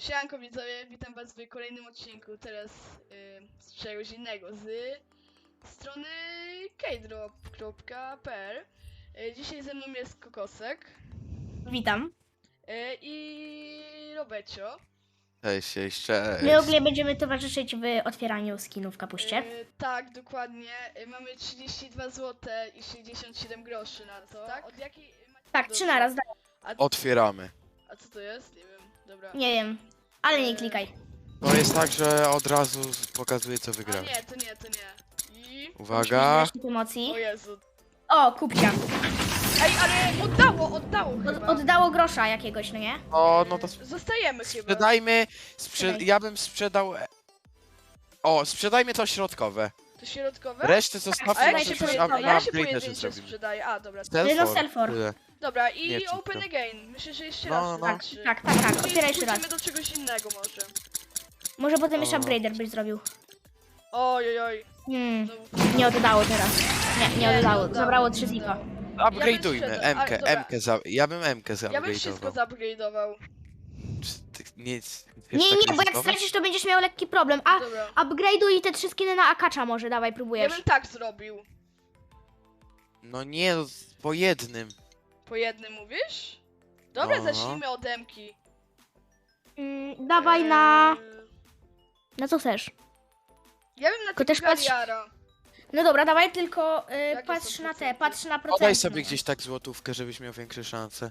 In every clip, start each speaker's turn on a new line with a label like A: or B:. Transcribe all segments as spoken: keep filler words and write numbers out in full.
A: Siemanko widzowie, witam was w kolejnym odcinku, teraz yy, z czegoś innego, z strony keydrop kropka p l. Yy, dzisiaj ze mną jest Kokosek
B: Witam.
A: yy, i Robecio.
C: Cześć, cześć, cześć.
B: My ogólnie będziemy towarzyszyć w otwieraniu skinów w kapuście.
A: Yy, tak, dokładnie. Yy, mamy trzydzieści dwa złote i sześćdziesiąt siedem groszy na to. Tak? Od jakiej...
B: Tak, trzy naraz, da-
A: A,
C: Otwieramy.
A: a co to jest? Nie wiem, dobra.
B: nie wiem. Ale nie klikaj.
C: To jest tak, że od razu pokazuje, co
A: A
C: wygramy.
A: nie, to nie, to nie. I...
C: Uwaga.
B: Musimy emocji.
A: O Jezu.
B: O, kupcia.
A: Ej, ale oddało, oddało
B: Od,
A: chyba.
B: oddało grosza jakiegoś, no nie?
C: O, no to
A: Zostajemy chyba.
C: sprzedajmy. Sprze
B: Sprzedaj.
C: ja bym sprzedał. O, sprzedajmy to środkowe.
A: To środkowe?
C: Resztę
A: A
C: zostawmy,
A: ja
B: Sprzedaj
C: może
A: się,
B: się
C: coś
A: poje...
B: środkowe.
C: na
A: ja się
C: upgrade też
A: pojedyncze
C: zrobimy.
A: sprzedaję. A, dobra.
C: Self
B: No,
C: for.
B: self-for.
C: Tyle.
A: Dobra, i
C: Nie, czysto.
A: open again. Myślę, że jeszcze
C: No,
A: raz.
C: no.
A: wystarczy.
B: Tak, tak, tak.
A: Czyli
B: Otwieraj jeszcze raz.
A: wrócimy do czegoś innego może.
B: Może potem jeszcze
C: O.
B: upgrader byś zrobił.
A: Oj, oj, oj.
B: Hmm,
A: Znowu-
B: nie oddało teraz. Nie,
A: Nie,
B: nie
A: nie
B: oddało.
A: oddało,
B: Zabrało
A: nie
B: trzy zika.
A: oddało.
C: Upgrade'ujmy.
A: sprzedał,
C: M K,
A: ale dobra.
C: M K za. Ja bym M K
A: Ja bym wszystko
C: zaupgrade'ował.
A: zupgrade'ował.
C: Czy ty Nie, jest-
B: Nie,
C: jest
B: nie,
C: tak
B: nie, bo jak
C: ryzykowne?
B: stracisz, to będziesz miał lekki problem. A,
A: Dobra.
B: upgrade'uj te trzy skiny na akacza może, dawaj,
A: Ja
B: próbujesz.
A: bym tak zrobił.
C: No nie, no, po jednym.
A: Po jednym mówisz? Dobra,
C: No.
A: zacznijmy od Emki.
B: Mm, dawaj na...
A: Eee,
B: Na co chcesz?
A: Ja bym na
B: Tylko
A: tego
B: też patrz-
A: Galiara.
B: No dobra, dawaj tylko y,
A: Jakie
B: patrz
A: są
B: na te,
A: procenty?
B: patrz na procenty.
C: Podaj sobie gdzieś tak złotówkę, żebyś miał większe szanse.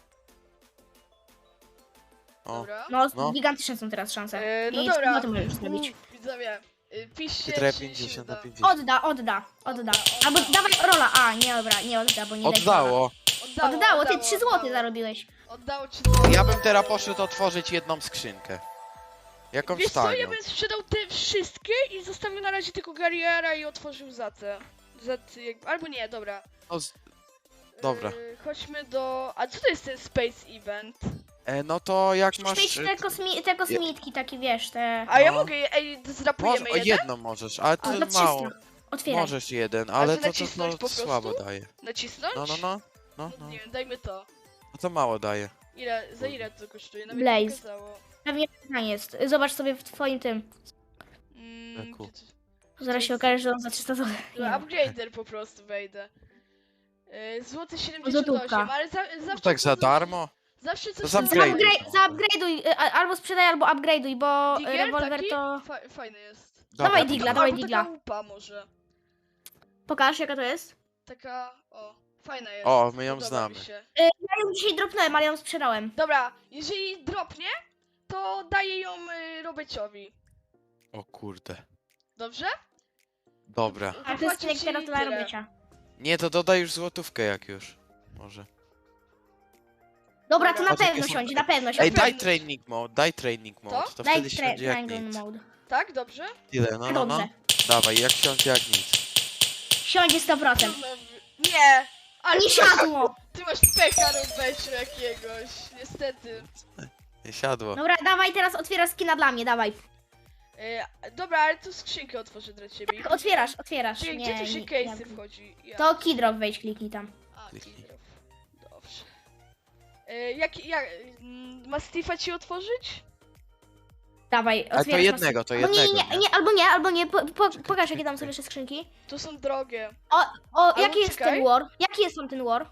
C: O,
A: Dobra.
B: No,
C: No.
B: gigantyczne są teraz szanse.
A: Eee, no
B: I
A: dobra.
B: no to możesz zrobić.
A: Uuu, Widzowie, y, piszcie,
C: Chytre
A: czy się
C: pięćdziesiąt na
A: uda.
C: pięćdziesiąt.
B: Odda, odda, odda.
A: Odda,
B: Albo
A: odda.
B: dawaj rola. A, nie dobra, nie odda, bo nie daj rola.
C: Oddało.
A: Oddało,
B: Oddało, ty trzy złote
A: oddało.
B: zarobiłeś.
A: Oddało ci złote.
C: Ja bym teraz poszedł otworzyć jedną skrzynkę. Jakąś
A: Wiesz co, ja
C: tanią.
A: bym sprzedał te wszystkie i zostawił na razie tylko Galiara i otworzył Zacę. Zat, jak... Albo nie, dobra.
C: No, z- Dobra.
A: Yy, chodźmy do... A co to jest ten Space Event?
C: e, no to jak masz...
B: Mieć te, kosmi te kosmitki, takie wiesz, te...
A: A ja
C: No.
A: mogę, je- ej,
C: Może,
A: zrapujemy
C: o,
A: jeden?
C: jedną możesz, ale to
A: A,
B: Za
C: mało.
B: trzysta. Otwieraj.
C: Możesz jeden, ale
A: to
C: to, to,
A: nacisnąć
C: to,
A: po prostu?
C: słabo daje.
A: Nacisnąć?
C: No, no, no. No,
A: No,
C: no.
A: nie wiem, dajmy to.
C: No to mało daje.
A: Ile, za ile to kosztuje? Nawet
B: Blaze.
A: nie pokazało.
B: Pewnie pytanie jest. Zobacz sobie w twoim tym.
A: Mm,
C: Eku.
A: gdzie to-
B: Zaraz się okaże, że on za trzysta złotych.
A: Dobra, upgrader po prostu wejdę. Yy, złoty siedemdziesiąt
B: Złotówka.
A: osiem, ale za,
C: No
A: zawsze...
C: tak za
A: coś-
C: darmo.
A: Zawsze coś
C: za
A: tam
C: upgrade.
A: zrobię.
B: Zaupgrade- Zaupgrade'uj, y, a- albo sprzedaj, albo upgrade'uj, bo y,
A: Digger
B: rewolwer
A: taki?
B: to...
A: Fa fajny jest.
C: Dobra,
B: Dawaj
C: to
B: digla,
C: dawaj.
B: dawaj
A: Albo
B: digla.
A: taka łupa może.
B: Pokaż, jaka to jest.
A: Taka, o, fajna jest.
C: O, my ją
A: Podoba mi
C: znamy.
A: się.
B: Y, ja ją dzisiaj dropnąłem, ale ją sprzedałem.
A: Dobra, jeżeli dropnie, to daję ją y, Robeciowi.
C: O kurde.
A: Dobrze?
C: Dobra.
B: A to jest
A: Zapłacił
B: skinek
A: ci
B: teraz dla
A: tyle.
B: robicia.
C: Nie, to dodaj już złotówkę jak już. Może.
B: Dobra, to na
C: Patrz, jakie
B: pewno
C: są-
B: siądzie, na pewno
C: Ej,
B: siądzie.
C: daj training mode, daj training mode. To
B: Daj
C: wtedy
B: tra
C: siądzie jak
B: triangle
C: nic.
B: mode.
A: Tak, dobrze?
C: Tyle, no, no, no.
B: Dobrze.
C: Dawaj, jak siądzie jak nic.
B: Siądzie sto procent.
A: Nie! Ale
B: Nie
A: ty masz,
B: siadło!
A: ty masz pecha Robeciu jakiegoś, niestety.
C: Nie siadło.
B: Dobra, dawaj teraz otwierasz skina dla mnie, dawaj.
A: Y, dobra, ale tu skrzynkę otworzę dla ciebie.
B: Tak, otwierasz, otwierasz.
A: Czyli
B: Nie,
A: gdzie tu się
B: nie,
A: case'y
B: nie.
A: wchodzi? Ja.
B: To Kidrop wejdź, kliknij tam.
A: A,
C: Kliknij.
A: Kidrop. Dobrze. Y, jak, jak, mm, Mastifa ci otworzyć?
B: Dawaj,
C: Ale to
B: otwierasz
C: jednego, to
B: Albo nie,
C: jednego.
B: nie, nie, nie, albo nie, albo nie. Po, po, pokaż jakie tam są jeszcze skrzynki.
A: Tu są drogie.
B: O,
A: Albo
B: jaki jest
A: czekaj.
B: ten war? Jaki jest tam ten war?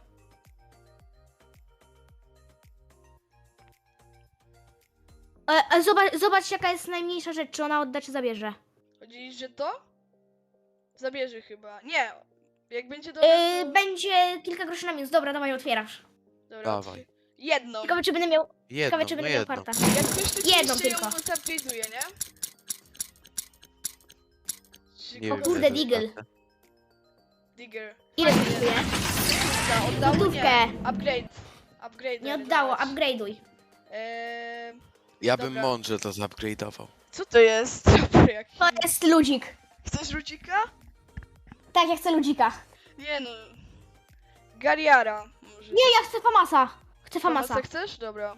B: E, e, zobacz, zobacz jaka jest najmniejsza rzecz, czy ona odda, czy zabierze.
A: Chodzi, że to? Zabierze chyba. Nie. Jak będzie do.
B: E, będzie kilka groszy na minus. Dobra, dawaj, otwierasz.
A: Dobra,
C: Dawaj.
A: otw- Jedną.
B: Ciekawe, czy będę miał,
C: Jedną,
B: ciekawe, czy
C: no
B: będę miał
C: jedną.
B: farta.
A: Jak ktoś to
B: Jedną
A: jeszcze
B: tylko.
A: ją zupgrade'uje, nie? Czy
C: Nie
B: O
C: wiem,
B: kurde,
C: jak to
B: Deagle.
C: jest.
A: Digger.
B: Ile
A: Fajnie.
B: kosztuje?
A: Złotówka, Oddało?
B: Złotówkę.
A: Nie. Upgrade. Upgrade.
B: Nie oddało, upgrade'uj.
A: Eee,
C: Ja bym
A: Dobra.
C: mądrze to zupgrade'ował.
A: co to jest? Jaki?
B: To jest ludzik.
A: Chcesz rucika?
B: Tak, ja chcę ludzika.
A: Nie no. Galiara. Może.
B: Nie, ja chcę Famasa. Chcę Famasa.
A: Famasa chcesz? Dobra.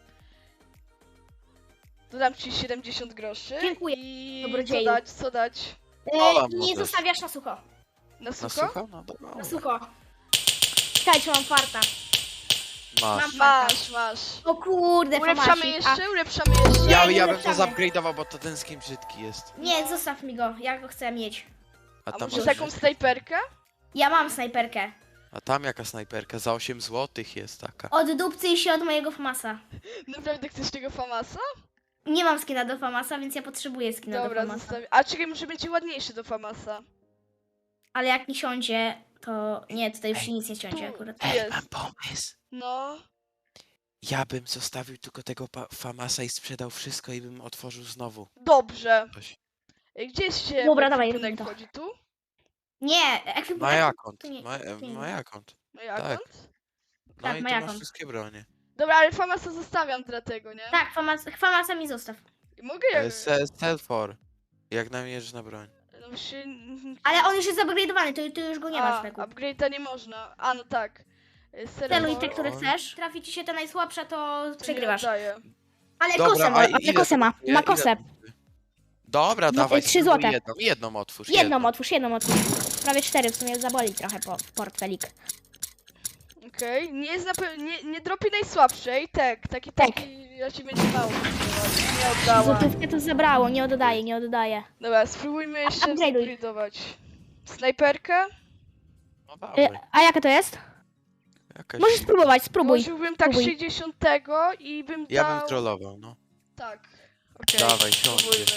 A: Dodam ci siedemdziesiąt groszy.
B: Dziękuję,
A: I
B: dobrodzieju.
A: co dać? Co dać?
B: E,
C: Ola
B: nie
C: możesz.
B: zostawiasz na sucho.
A: Na
C: Na
A: sucho?
C: sucho? No dobra.
B: Na sucho. Czekaj, czy mam farta.
C: Masz.
A: Masz, masz.
B: O kurde,
A: Ulepszamy
B: famasik. A,
A: jeszcze? Ulepszamy jeszcze?
C: Ja,
B: nie
C: ja bym to
B: ulepszamy.
C: zupgrade'ował, bo to ten skin brzydki jest.
B: nie, zostaw mi go, ja go chcę mieć.
C: A
A: A
C: tam,
A: może
C: masz-
A: taką snajperkę?
B: Ja mam snajperkę.
C: A tam jaka snajperka? Za osiem złotych jest taka.
B: Od dupcy się od mojego famasa.
A: Naprawdę chcesz tego famasa?
B: Nie mam skina do famasa, więc ja potrzebuję skina
A: Dobra,
B: do famasa.
A: zostawię. A czekaj, może będzie ładniejszy do famasa.
B: Ale jak mi siądzie, to nie, tutaj już nic nie siądzie
A: Tu.
B: akurat.
C: Ej,
A: jest.
C: mam pomysł.
A: No.
C: Ja bym zostawił tylko tego pa- Famasa i sprzedał wszystko i bym otworzył znowu
A: Dobrze.
C: coś.
A: Ej, Gdzie się
B: Dobra, dawaj,
A: ekwipunek
B: robimy to.
A: wchodzi? Tu?
B: Nie, ekwipunek.
C: My account.
B: to nie-
C: My,
B: to nie-
C: my account.
A: No i
C: Tak.
A: akont?
C: No
B: Tak,
C: i
B: my
C: tu masz
B: account.
C: wszystkie bronie.
A: Dobra, ale famasa zostawiam dlatego, nie?
B: Tak, famas, famasa mi zostaw.
A: I mogę jak...
C: E, se- Self-for. Jak namierzysz na broń.
A: No się...
B: Ale on już jest upgrade'owany, to, to już go nie ma
A: A,
B: w speku.
A: upgrade'a nie można. A, no tak. Y,
B: Celuj
A: serwer-
B: te, które
C: Oj.
B: chcesz. Trafi ci się ta najsłabsza, to
A: to nie
B: przegrywasz.
A: oddaję.
B: Ale
C: Dobra,
B: kosę
C: a
B: ma, ale
C: ile
B: kosę
C: to
B: ma.
C: kosztuje?
B: Ma
C: Ile
B: kosę.
C: to kosztuje? Dobra,
B: No,
C: dawaj.
B: trzy
C: spróbuj
B: złote.
C: Jedną, jedną otwórz.
B: Jedną otwórz, jedną otwórz. Prawie cztery, w sumie zaboli trochę po, portfelik.
A: Okej, nie jest na pewno, nie, nie dropi najsłabszej, tak, taki,
B: Tak.
A: taki, ja ci będzie mało, nie oddała.
B: Złotówkę to zabrało, nie oddaje, nie oddaje.
A: Dobra, spróbujmy jeszcze
B: upgrade'uj.
A: zupgrade'ować. Snajperkę?
C: No
B: Y,
C: dawaj.
B: a jaka to jest?
C: Jakaś...
B: Możesz spróbować, spróbuj.
A: Włożyłbym tak
B: spróbuj.
A: sześćdziesiątego i bym
C: Ja
A: dał...
C: bym trollował, no.
A: Tak, okej,
C: Dawaj, siądzie.
A: spróbujmy.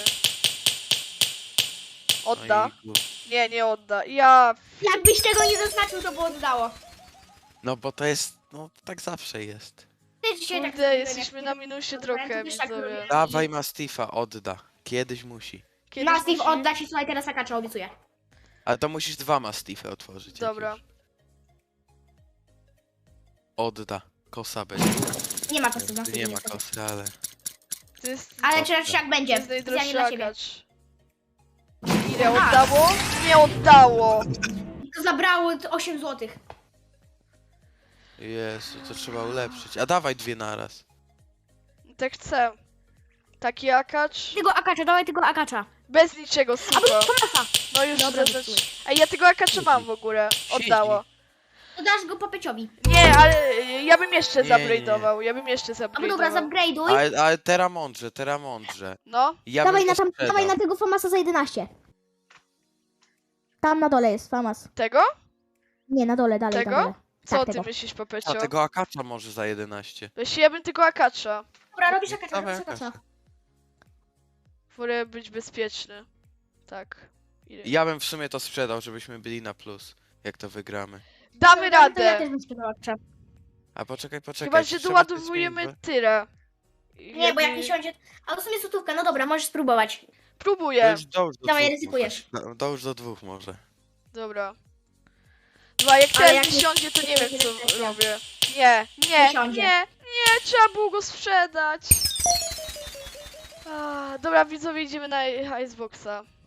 C: No
A: Odda?
C: i kur-
A: Nie, nie odda. Ja...
B: Jakbyś tego nie zaznaczył, to by oddało.
C: No bo to jest, no tak zawsze jest.
B: Ty dzisiaj tak
A: Kurde,
B: sobie
A: jesteśmy
B: jak-
A: na minusie
B: Dobra,
A: trochę,
B: to wiesz, tak
A: widzowie.
B: robię.
C: Dawaj Mastifa, odda. Kiedyś musi.
A: Kiedyś
B: Mastiff
A: musi-
B: odda ci, słuchaj, teraz akacza, obiecuję.
C: Ale to musisz dwa Mastify otworzyć.
A: Dobra.
C: jakieś. Odda. Kosa będzie.
B: Nie ma kosy,
C: Tu
B: Mastiff
C: nie ma
B: niestety.
C: kosy, ale...
A: To jest...
B: Ale
C: Dobra.
B: czy jak
A: To
B: będzie,
A: jest
B: specjalnie
A: najdroższy
B: dla ciebie.
A: akacz. Ile oddało? Nie oddało!
B: To zabrało t- osiem złotych.
C: Jezu, to trzeba ulepszyć. A dawaj dwie naraz.
A: Tak chcę. Taki akacz.
B: Tego akacza, dawaj tego akacza.
A: Bez niczego,
B: A
A: super.
B: bo Tomasa.
A: No już
B: Dobra,
A: zaznacz...
B: zepsułeś.
A: A ja tego akacza mam w ogóle. Oddało.
B: To dasz go Popeciowi.
A: Nie, ale y, ja bym jeszcze
C: Nie, nie, nie.
A: zupgrade'ował. Ja bym jeszcze
B: A bo dobra,
A: zupgrade'ował.
B: zupgrade'uj.
C: Ale, ale teraz mądrze, teraz mądrze.
A: No,
C: Ja
B: Dawaj
C: bym
B: na,
C: to
B: tam,
C: sprzedał.
B: dawaj na tego Famasa za jedenaście. Tam na dole jest Famas.
A: tego?
B: Nie, na dole, dalej,
A: Tego?
B: na dole.
A: Co
B: Tak,
A: ty
B: tego.
A: myślisz,
C: A
A: Popecio?
C: tego akacza może za jedenaście.
A: Weź, ja bym tego akacza.
B: Dobra, robisz akacza,
C: Dawaj
B: robisz akacza.
A: Wolę być bezpieczny. Tak. Ile?
C: Ja bym w sumie to sprzedał, żebyśmy byli na plus. Jak to wygramy.
A: Damy
B: To ja
A: radę!
B: też bym sprzedała akacza.
C: A poczekaj, poczekaj.
A: Chyba, że
C: trzeba coś
A: doładowujemy
C: zmienić,
A: tyle.
B: Nie, bo jak nie siądzie... A w sumie złotówka, no dobra, możesz spróbować.
C: bo- to
A: Próbuję.
C: już dołóż do
B: Dawaj,
C: dwóch
B: ryzykujesz.
C: może. Do- Dołóż do dwóch może.
A: Dobra. Dwa, jak
B: Ale
A: teraz
B: jak
A: nie
B: nie-
A: siądzie, to nie
B: nie
A: wiem co
B: jesteś.
A: robię. Nie, nie,
B: Nie
A: nie,
B: siądzie.
A: nie, trzeba było go sprzedać. A, dobra, widzowie, idziemy na Iceboxa.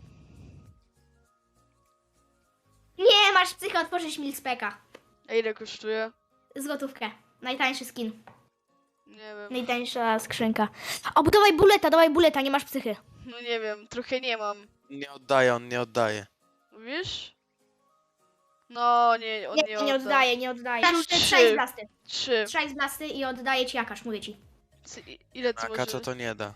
B: Nie, masz psychę otworzyć Milkspeka.
A: A ile kosztuje?
B: Złotówkę. Najtańszy skin.
A: Nie wiem.
B: Najtańsza skrzynka. O, bo dawaj buleta, dawaj buleta, nie masz psychy.
A: No nie wiem, trochę nie mam.
C: Nie oddaje, on nie oddaje.
A: Wiesz? No, nie, on
B: Nie,
A: nie,
B: nie,
A: odda.
B: nie oddaje, nie oddaje.
A: Trzy.
B: Masz trzej z blasty.
A: Trzy.
B: Trzej z blasty i oddaję ci jakaż, mówię ci.
A: C- i- Ile to
C: Akacza
A: może?
C: to nie da.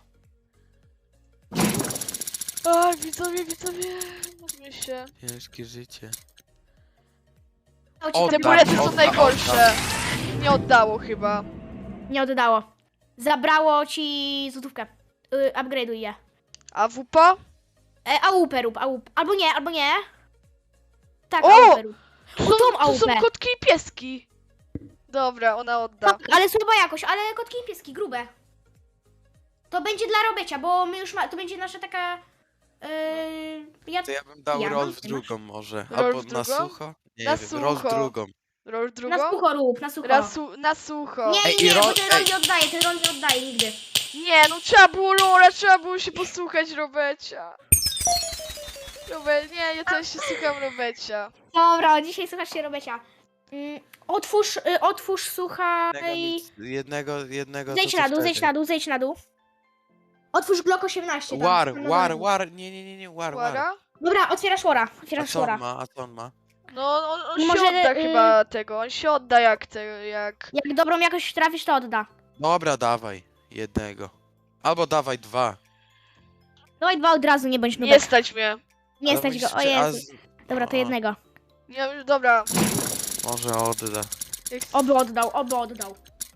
A: A, widzowie, widzowie, módlmy się.
C: Ciężkie życie.
B: O, ci
C: O,
B: to
A: Te
C: tak,
A: bulety są
C: odda,
A: najgorsze. Nie oddało chyba.
B: Nie oddało. Zabrało ci złotówkę. Yy, upgrade'uj je.
A: A wupa?
B: E, A U P rób, A U P. Albo nie, albo nie. Tak,
A: O!
B: A U P rób.
A: Tu
B: O,
A: są,
B: tą
A: tu są
B: A U P.
A: kotki i pieski. Dobra, ona odda.
B: Tak, ale słaba jakość, ale kotki i pieski, grube. To będzie dla Robecia, bo my już ma, to będzie nasza taka... Yy, ja,
C: To ja bym dał
B: Ja
C: roll
B: mam,
C: w
B: ty masz?
C: drugą może.
A: Roll
C: Albo
A: w
C: na
A: drugą?
C: sucho? Nie
A: Na
C: wiem, roll w
A: sucho.
C: drugą.
A: Roll drugą?
B: na sucho rób, na sucho.
A: Na, su na sucho.
B: Nie,
C: Ej,
B: nie,
C: i
B: nie,
C: ro-
B: bo ten rol
C: ej.
B: nie oddaje, ten rol nie oddaje nigdy.
A: Nie, no trzeba było Rola, trzeba było się posłuchać Robecia. Robe, nie, ja też się słucham Robecia.
B: Dobra, dzisiaj słuchasz się Robecia. Mm, otwórz, y, otwórz,
C: Jednego,
B: słuchaj...
C: nic- jednego, jednego
B: Zejdź
C: to
B: na
C: co
B: dół, zejdź
C: wtedy?
B: na dół, zejdź na dół. Otwórz Glock osiemnaście. tam,
C: War,
B: tam na
C: war,
B: dole.
C: war, nie, nie, nie, nie, war, war.
A: Uwaga.
B: Dobra, otwierasz Wara,
C: A
B: otwierasz
C: co on
B: Wara.
C: ma, a co on ma?
A: No, on, on
B: Może,
A: się odda
B: y-
A: chyba tego, on się odda jak te, jak...
B: Jak dobrą jakoś trafisz, to odda.
C: Dobra, dawaj. Jednego. Albo dawaj dwa.
B: Dawaj dwa od razu, nie bądź nubek.
A: Nie stać mnie.
B: Nie
C: Ale
B: stać
C: musisz
B: go, o
C: prze- a
B: Jezu.
C: z-
B: Dobra, to
C: o,
B: jednego.
A: Nie, dobra.
C: Może odda.
A: Jak...
B: Oby oddał, oby oddał.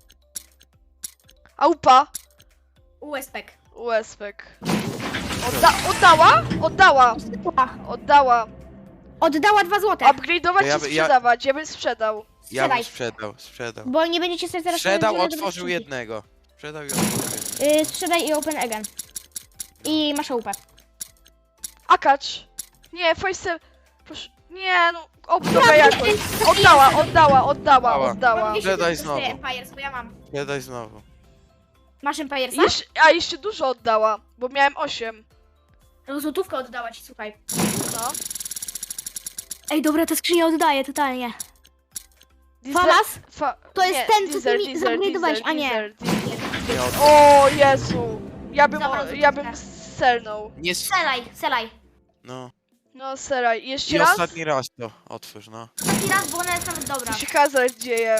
A: Aupa.
B: U S P K.
A: U S P K. Odda oddała? Oddała. Oddała.
B: Oddała dwa złote.
A: Upgrade'ować
C: To ja
A: czy
C: by- ja-
A: sprzedawać? Ja bym sprzedał.
C: Ja bym
B: Sprzedaj.
C: sprzedał, sprzedał.
B: Bo nie będziecie sobie teraz...
C: Sprzedał,
B: robić żadnego
C: otworzył
B: skrzynki.
C: jednego. Sprzedał i otworzył jednego.
B: Y, sprzedaj i open again. I masz łupę.
A: Akacz. Nie, Faisal. Proszę. Nie, no. O, dobra jakoś. Oddała, oddała, oddała,
C: Dała.
A: oddała.
C: Sprzedaj znowu.
B: Empires, bo ja mam.
C: Sprzedaj znowu.
B: Masz Empiresa?
A: Jeszcze, a jeszcze dużo oddała, bo miałem osiem.
B: No, złotówkę oddała ci, słuchaj.
A: No.
B: Ej, dobra, ta skrzynia oddaje totalnie.
A: Diesel-
B: Famas?
A: Fa
B: To jest
A: nie,
B: ten, co ty
A: diesel,
B: mi
A: diesel,
B: zupgrade'owałeś,
A: diesel,
B: a nie.
A: diesel, diesel.
C: Nie odda.
A: O Jezu. Ja bym,
B: Zabrał
A: o, ja bym
B: złotówkę.
A: selnął.
C: Nie s-
B: Selaj, selaj.
C: No.
A: No seraj. Jeszcze
C: I
A: raz?
C: ostatni raz to otwórz, no.
B: Taki raz, bo ona jest nawet dobra.
A: Tu się hazard dzieje.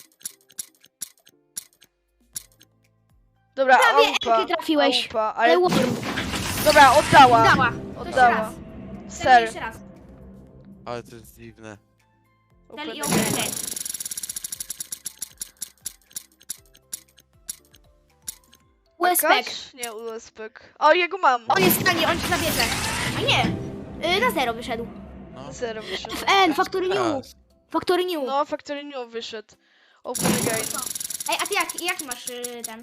A: Dobra,
B: Prawie
A: aupa,
B: Elkę trafiłeś.
A: aupa,
B: Ale
A: ale...
B: Worm.
A: Dobra, oddała.
B: Oddała. To jeszcze
A: Oddała.
B: raz. Sel
A: Ser.
B: jeszcze raz.
C: Ale to jest dziwne.
B: Sel i
A: Open
B: open
A: again.
B: again. U S P K.
A: Akacz? Nie, U S P K. O, jego mam.
B: On jest w stanie, on ci zabierze. A nie. Y, na zero wyszedł.
C: No.
A: Zero wyszedł.
B: F N, Factory New.
C: Raz.
B: Factory New.
A: No, Factory New wyszedł. Open again.
B: Ej, a ty jak, jak masz y, ten?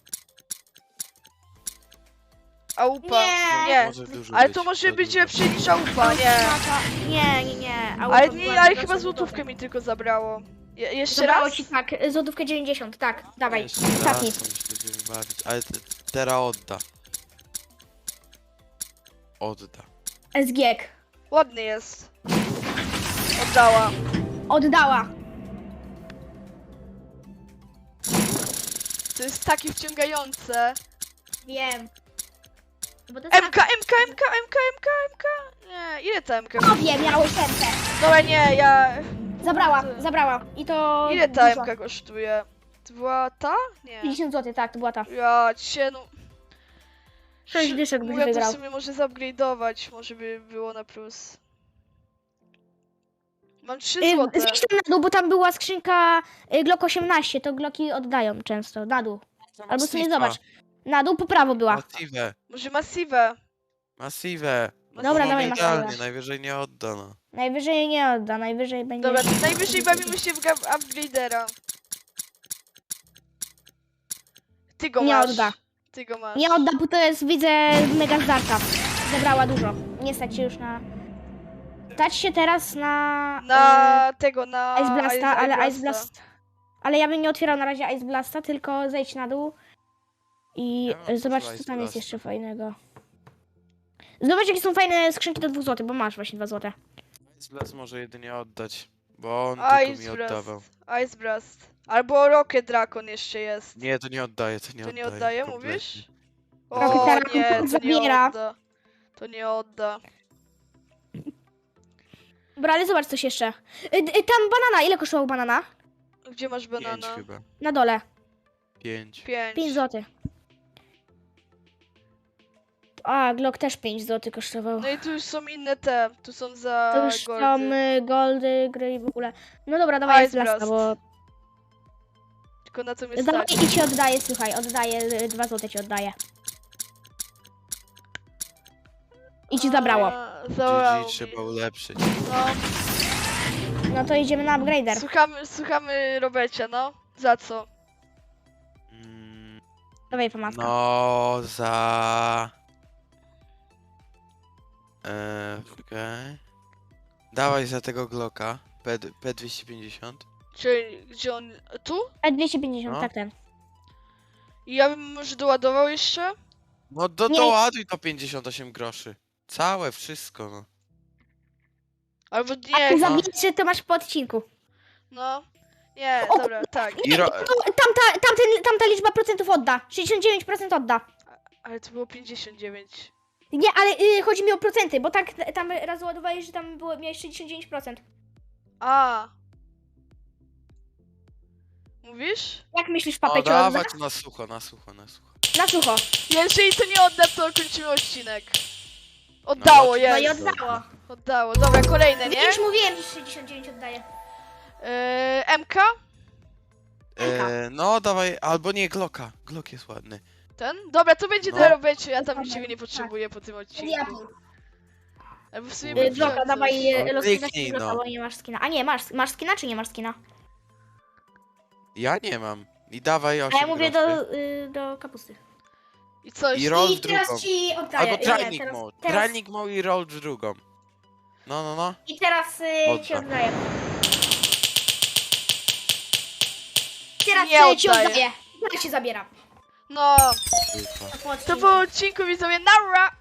A: Aupa.
B: Nie.
A: Nie.
C: Może dużo
A: Ale
C: być,
A: to może
C: za
A: być
C: dużo.
A: lepsze niż aupa, nie.
B: Nie, nie, nie. Auto
A: Ale
B: była
A: nie, ale
B: najgorsza
A: chyba
B: budowa.
A: złotówkę mi tylko zabrało. Je jeszcze
B: Zabrało
A: raz?
B: ci tak, y, złotówkę dziewięćdziesiąt, tak, dawaj,
C: Jeszcze
B: ostatni.
C: raz, on się będziemy bawić. Ale te, teraz odda. Odda.
B: S G K.
A: Ładny jest. Oddała.
B: Oddała.
A: To jest takie wciągające.
B: Wiem. Bo to jest
A: M K, M K, M K, M K, M K, M K. Nie, ile ta M K?
B: tak... wiem, miałeś serce.
A: Dobra, nie, ja...
B: Zabrała,
A: To-
B: zabrała. I to...
A: Ile ta
B: dużo.
A: M K kosztuje? To była ta? Nie.
B: pięćdziesiąt złotych, tak, to była ta.
A: Ja cię, no...
B: sześć dyszek byś
A: Mówię, to w
B: wygrał.
A: sumie może zupgrade'ować, może by było na plus. Mam trzy
B: Y,
A: złote.
B: Zjedź tam na dół, bo tam była skrzynka y, Glock osiemnaście, to Glocki oddają często, na dół. Albo sobie zobacz. Na dół po prawo była.
C: Massive.
A: Może Massive.
C: Massive.
B: Dobra,
C: No,
B: dawaj
C: idealnie,
B: Massive.
C: najwyżej nie odda, no.
B: Najwyżej nie odda, najwyżej będzie...
A: Dobra, najwyżej bawimy się w ga- upgrade'era. Ty go
B: Nie
A: masz.
B: odda.
A: Ty go masz.
B: Nie odda, bo to jest, widzę, mega zdarta. Zabrała dużo. Nie stać się już na... Stać się teraz na...
A: Na tego, na...
B: y, Ice Blasta, ale
A: Blasta.
B: Ice Blast... Ale ja bym nie otwierał na razie Ice Blasta, tylko zejdź na dół. I
C: Ja mam
B: zobacz,
C: dużo
B: co
C: Ice
B: tam jest
C: Blasta.
B: jeszcze fajnego. Zobacz, jakie są fajne skrzynki do dwóch złotych, bo masz właśnie dwa złote.
C: Ice Blast może jedynie oddać, bo on
A: Ice
C: tylko mi
A: Blast.
C: oddawał.
A: Ice Blast. Albo Rocket Dragon jeszcze jest.
C: Nie, to nie oddaje, to nie
A: to
C: oddaje.
A: nie oddaje,
C: kompletnie.
A: mówisz?
B: Rocket
A: O
B: Dragon
A: nie, to nie
B: zabiera.
A: odda. To nie odda.
B: Dobra, ale zobacz coś jeszcze. Y, y, tam banana, ile kosztował banana?
A: Gdzie masz
C: Pięć
A: banana?
C: chyba.
B: Na dole.
C: Pięć.
A: Pięć.
B: pięć złotych. A, Glock też pięć złotych kosztował.
A: No i tu już są inne te. Tu są za
B: To już
A: goldy.
B: tam y, goldy, gry i w ogóle. No dobra, dawaj
A: Ice
B: Ice Blasta,
A: Blast.
B: bo...
A: Tylko na co mnie
B: Dawaj
A: stać.
B: i ci oddaję, słuchaj, oddaję, y, dwa złote ci oddaję. I ci zabrało.
A: A, Zabrało
C: G G
A: mi.
C: trzeba ulepszyć.
A: No.
B: No to idziemy na upgrader.
A: Słuchamy, słuchamy Robecia, no. Za co?
C: Mm,
B: Dawaj pomadka.
C: no, za... Eee, okej. Dawaj za tego Glocka. P, P dwieście pięćdziesiąt.
A: Czyli gdzie on... Tu?
B: E dwieście pięćdziesiąt,
C: No.
B: tak ten.
A: I ja bym może doładował jeszcze?
C: No do,
B: Nie.
C: doładuj to pięćdziesiąt osiem groszy. Całe, wszystko, no.
A: Albo
B: A
A: nie,
B: ty
A: no.
B: zabijesz, to masz po odcinku.
A: no. Nie,
B: O,
A: dobra, tak.
C: I ro...
B: No, tamta, tamten, tamta liczba procentów odda. sześćdziesiąt dziewięć procent odda.
A: Ale to było pięćdziesiąt dziewięć.
B: Nie, ale y, chodzi mi o procenty, bo tak tam raz ładowałeś, że tam było, miałeś sześćdziesiąt dziewięć procent.
A: A. Mówisz?
B: Jak myślisz,
C: No
B: papecie odda?
C: dawać na sucho, na sucho, na sucho.
B: Na sucho.
A: Jeżeli to nie odda, to kończymy odcinek. Oddało,
C: No,
B: No i
A: jest.
B: oddało.
A: Oddało. Dobra, kolejne, nie?
B: Widzisz, mówiłem, że sześćdziesiąt dziewięć oddaje.
A: Yy, M K?
C: E, no dawaj, albo nie, Glocka. Glock jest ładny.
A: Ten? Dobra, to będzie
C: No.
A: dla Robecie, ja tam
B: Dokładnie,
A: ciebie nie potrzebuję po tym odcinku.
B: Diablo.
A: Albo w sumie
B: Y,
A: bym
B: Bloka,
A: wziął
B: dawaj
A: coś.
B: y,
C: No,
B: loskina
C: kliknij,
B: z bloka,
C: no.
B: bo nie masz skina. A nie, masz, masz skina czy nie masz skina?
C: Ja nie mam. I dawaj
B: A
C: osiem
B: ja mówię
C: groszy.
B: do, y, do kapusty.
A: I coś.
C: I roll
B: I
C: w
B: teraz
C: drugą.
B: ci oddaję.
C: Albo
B: Nie,
C: trajnik
B: teraz,
C: mode.
B: teraz,
C: Trajnik mode i roll w drugą. No, no, no.
B: I teraz y, ci
C: Odda.
B: oddaję. Teraz
A: Nie
B: y, ci
A: oddaję.
B: oddaję. Teraz ci zabieram.
A: No,
C: Tylko.
B: To po
A: to
B: odcinku.
A: po odcinku widzowie, nara!